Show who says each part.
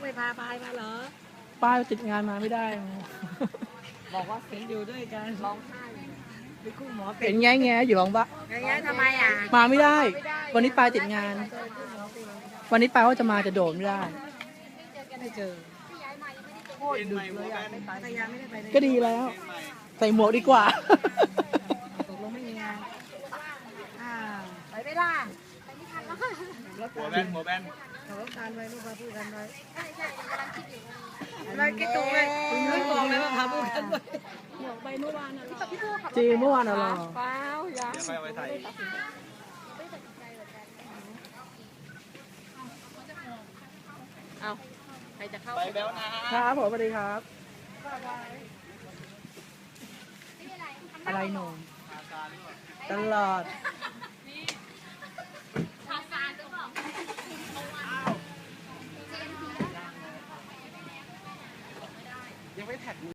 Speaker 1: ไม่พาพายมาเหรอ
Speaker 2: ป้ายติดงานมาไม่ได้
Speaker 1: บอกว่าเห็นอยู่ด้วยกันร้องไห้ไปคู่หมอเป็
Speaker 2: เห็
Speaker 1: น
Speaker 2: นแง่อยู่หลังบ้าน
Speaker 1: อย่างเงี้ยทำไมอ่ะ
Speaker 2: มาไม่ได้ วันนี้ปายติดงาน วันนี้ปายว่าจะมาจะโดดไม่ได้
Speaker 1: ไม่เจอโคตรดึกเลยอ่ะไม่ไปพยายามไม่ได้ไปเลย
Speaker 2: ก็ดีแล้ว ใส่หมวกดีกว่า
Speaker 1: ตกลงไม่มีงานไปไม่ได้
Speaker 3: หัวแบน
Speaker 1: ขับรถการไว้ลูกพาพูดกันไว้อะไรคิดถูกเลยไม่บอกเลยว่าพาพูดกันไว้
Speaker 2: จริงเมื่อวานเหรอ
Speaker 1: เปล่าอย่า
Speaker 3: เดี๋ยวไปเอาไปใส่
Speaker 1: เอาใครจะเข้า
Speaker 3: ไปแล้วนะครับ
Speaker 2: ผมสวัสดีครับ อะไรหนมตลอด